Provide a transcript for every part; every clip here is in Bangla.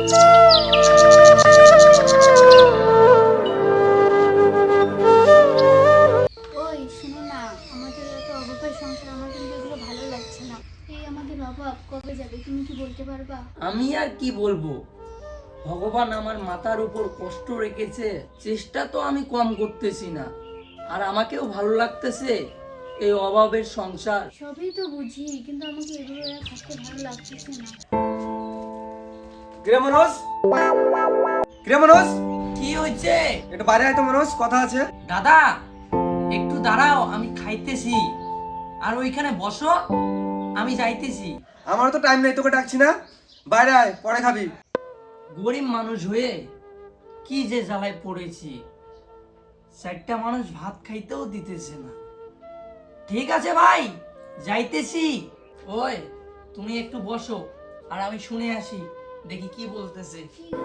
ওই শোনো না, আমাদের এত অভাবের সংসার, আমার কিন্তু এগুলো ভালো লাগছে না। এই আমাদের অভাব কবে যাবে তুমি কি বলতে পারবা? আমি আর কি বলবো, ভগবান আমার মাথার উপর কষ্ট রেখেছে, চেষ্টা তো আমি কম করতেছি না, আর আমাকেও ভালো লাগতেছে এই অভাবের সংসার। সবই তো বুঝি, কিন্তু আমাকে এগুলো আর থাকতে ভালো লাগতেছে না। কিরে মনোজ, কিরে মনোজ, কি হয়েছে? একটু বাইরে আয় তো মনোজ, কথা আছে। দাদা একটু দাঁড়াও, আমি খাইতেছি, আর ওইখানে বসো, আমি যাইতেছি। আমার তো টাইম নেই, তোকে ডাকছি না, বাইরে আয়, পরে খাবি। গরিব মানুষ হয়ে কি যে জ্বালায় পড়েছি, চারটা মানুষ ভাত খাইতেও দিতেছে না। ঠিক আছে ভাই, যাইতেছি। ওই তুমি একটু বসো, আর আমি শুনে আসি, দেখি কি বলতেছে।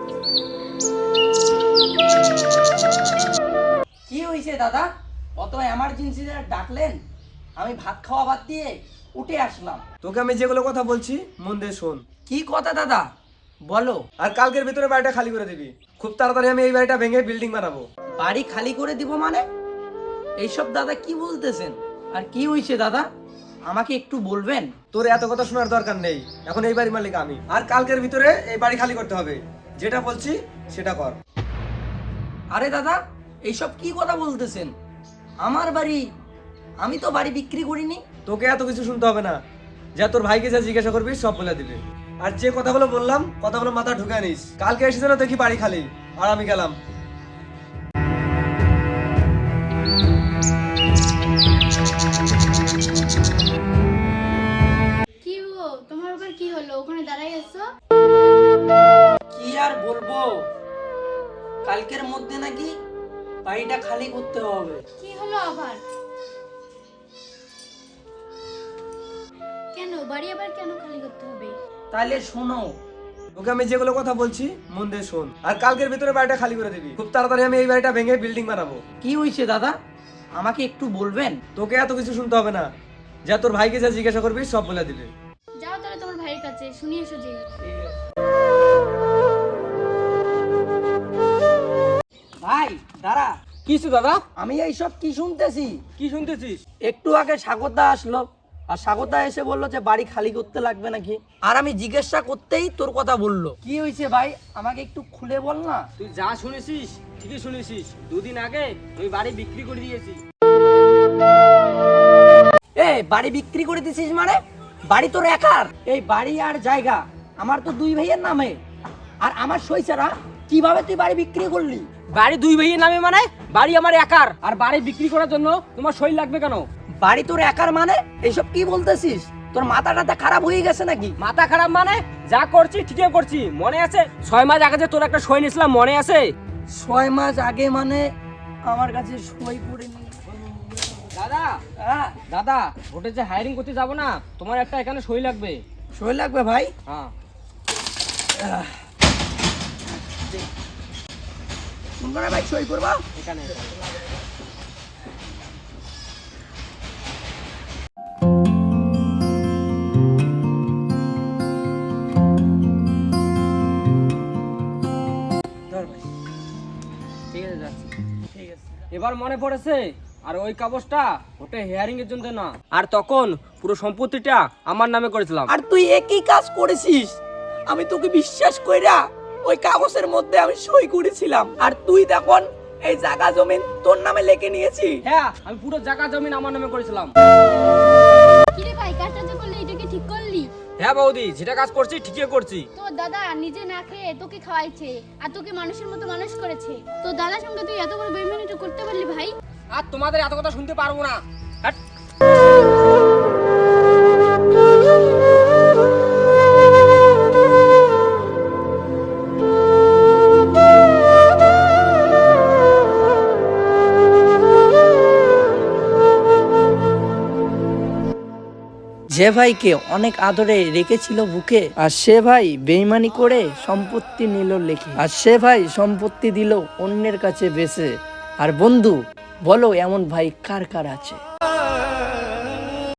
কি হয়েছে দাদা, অত এমার্জেন্সি ডাকলেন? আমি ভাত খাওয়া বাদ দিয়ে উঠে আসলাম। তোকে আমি যেগুলো কথা বলছি মন দিয়ে শোন। কি কথা দাদা, বলো। আর কালকের ভিতরে বাড়িটা খালি করে দিবি, খুব তাড়াতাড়ি আমি এই বাড়িটা ভেঙে বিল্ডিং বানাবো। বাড়ি খালি করে দিব মানে? এইসব দাদা কি বলতেছেন? আর কি হয়েছে দাদা, আমাকে একটু বলবেন? তোর এত কথা শোনার দরকার নেই, এখন এই বাড়ির মালিক আমি, আর কালকের ভিতরে এই বাড়ি খালি করতে হবে। যেটা বলছি সেটা কর। আরে দাদা, এইসব কি কথা বলতেছেন? আমার বাড়ি, আমি তো বাড়ি বিক্রি করিনি। তোকে এত কিছু শুনতে হবে না, যা তোর ভাইকে যা জিজ্ঞাসা করবি সব বলে দিবে। আর যে কথাগুলো বললাম কথাগুলো মাথা ঢুকে নিস, কালকে এসে যেন দেখি বাড়ি খালি, আর আমি গেলাম। কি গো, তোমার আবার কি হলো? ওখানে দাঁড়াই আছো। কি আর বলবো, কালকের মধ্যে নাকি বাড়িটা খালি করতে হবে। কি হলো আবার? কেন বাড়ি আবার কেন খালি করতে হবে? তাহলে শোনো। তোকে আমি যেগুলো কথা বলছি মন দিয়ে শোন, আর কালকের ভিতরে বাড়িটা খালি করে দিবি, খুব তাড়াতাড়ি আমি এই বাড়িটা ভেঙে বিল্ডিং বানাবো। কি হয়েছে দাদা, আমাকে একটু বলবেন? তোকে এত কিছু শুনতে হবে না, যা তোর ভাইকে যা জিজ্ঞাসা করবি সব বলে দিবে। যাও তাহলে তোমার ভাইয়ের কাছে শুনিয়ে এসো যে। ভাই দাঁড়া। কিছু দাদা, আমি এইসব কি শুনতেছি? কি শুনতেছিস? একটু আগে স্বাগতা আসলো, আর স্বাগতা এসে বললো যে বাড়ি খালি করতে লাগবে নাকি, আর আমি জিজ্ঞাসা করতেই তোর কথা বললো। কি হয়েছে ভাই, আমাকে একটু খুলে বল না। তুই যা শুনেছিস ঠিকই শুনেছিস, দুদিন আগে ওই বাড়ি বিক্রি করে দিয়েছি। এ বাড়ি বিক্রি করে দিছিস মানে? বাড়ি তোর একার? এই বাড়ি আর জায়গা আমার তো দুই ভাইয়ের নামে, আর আমার সই ছাড়া কিভাবে তুই বাড়ি বিক্রি করলি? বাড়ি দুই ভাইয়ের নামে মানে? বাড়ি আমার একার, আর বাড়ি বিক্রি করার জন্য তোমার সই লাগবে কেন? বাড়ি তোর একার মানে? এইসব কি বলতেছিস? তোর মাথা টাথা খারাপ হয়ে গেছে নাকি? মাথা খারাপ মানে? যা করছি ঠিকই করছি, মনে আছে 6 মাস আগে যে তোর একটা সই নিয়েছিলাম, মনে আছে? 6 মাস আগে মানে? আমার কাছে সই করে নি। দাদা, দাদা ভোটে যে হায়ারিং করতে যাব না, তোমার একটা এখানে সই লাগবে। সই লাগবে ভাই? হ্যাঁ। তোমরা ভাই সই করবা এখানে ধর ভাই। ঠিক আছে, যাচ্ছি। ঠিক আছে। এবার মনে পড়েছে, আর ওই কাগজটা ওটা হেয়ারিং এর জন্য না, আর তখন পুরো সম্পত্তিটা আমার নামে করেছিলাম। আর তুই একই কাজ করেছিস, আমি তোকে বিশ্বাস কইরা ওই কাগজের মধ্যে আমি সই করেছিলাম, আর তুই তখন এই জায়গা জমিন তোর নামে লিখে নিয়েছি। হ্যাঁ, আমি পুরো জায়গা জমিন আমার নামে করেছিলাম। কি রে ভাই, কাজটা যে করলি এটা কি ঠিক করলি? হ্যাঁ বৌদি, যেটা কাজ করছি ঠিকই করছি। তোর দাদা নিজে না খেয়ে তোকে খাওয়াইছে, আর তোকে মানুষের মতো মানুষ করেছে। তোর দাদার সঙ্গে তুই এত বড় বেইমানিটা করতে পারলি ভাই? আর তোমাদের এত কথা শুনতে পারবো না। হ্যাট। যে ভাইকে অনেক আদরে রেখেছিল বুকে, আর সে ভাই বেইমানি করে সম্পত্তি নিল লেখে, আর সে ভাই সম্পত্তি দিল অন্যের কাছে বেচে। আর বন্ধু বলো, এমন ভাই কার কার আছে?